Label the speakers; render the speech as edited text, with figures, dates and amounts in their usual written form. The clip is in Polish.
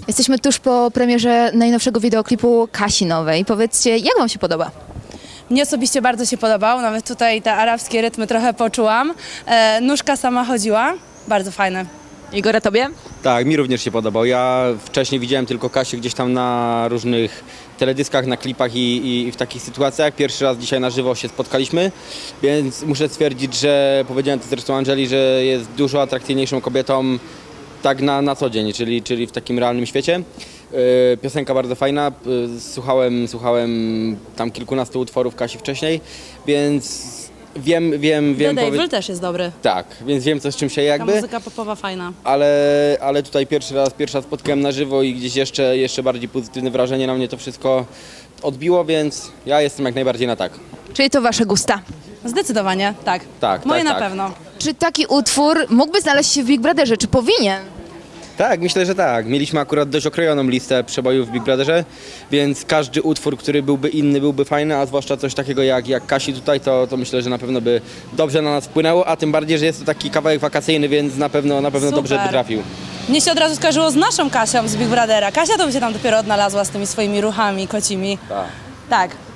Speaker 1: Jesteśmy tuż po premierze najnowszego wideoklipu Kasi nowej. Powiedzcie, jak wam się podoba?
Speaker 2: Mnie osobiście bardzo się podobał, nawet tutaj te arabskie rytmy trochę poczułam. Nóżka sama chodziła, bardzo fajne.
Speaker 1: Igora, tobie?
Speaker 3: Tak, mi również się podobał. Ja wcześniej widziałem tylko Kasię gdzieś tam na różnych teledyskach, na klipach i w takich sytuacjach. Pierwszy raz dzisiaj na żywo się spotkaliśmy, więc muszę stwierdzić, że powiedziałem to zresztą Angeli, że jest dużo atrakcyjniejszą kobietą tak na co dzień, czyli w takim realnym świecie. Piosenka bardzo fajna, słuchałem tam kilkunastu utworów Kasi wcześniej, więc wiem.
Speaker 2: The Devil też jest dobry.
Speaker 3: Tak, więc wiem co z czym się
Speaker 2: Ta
Speaker 3: jakby.
Speaker 2: muzyka popowa fajna.
Speaker 3: Ale tutaj pierwszy raz spotkałem na żywo i gdzieś jeszcze bardziej pozytywne wrażenie na mnie to wszystko odbiło, więc ja jestem jak najbardziej na tak.
Speaker 1: Czyli to wasze gusta.
Speaker 2: Zdecydowanie, tak.
Speaker 3: Tak,
Speaker 2: Moje
Speaker 3: tak,
Speaker 2: na
Speaker 3: tak.
Speaker 2: pewno.
Speaker 1: Czy taki utwór mógłby znaleźć się w Big Brotherze? Czy powinien?
Speaker 3: Tak, myślę, że tak. Mieliśmy akurat dość okrojoną listę przebojów w Big Brotherze, więc każdy utwór, który byłby inny, byłby fajny, a zwłaszcza coś takiego jak Kasi tutaj, to myślę, że na pewno by dobrze na nas wpłynęło, a tym bardziej, że jest to taki kawałek wakacyjny, więc na pewno dobrze by
Speaker 2: Super.
Speaker 3: trafił.
Speaker 2: Mnie się od razu skojarzyło z naszą Kasią z Big Brothera. Kasia to by się tam dopiero odnalazła z tymi swoimi ruchami kocimi.
Speaker 3: Tak.
Speaker 2: Tak.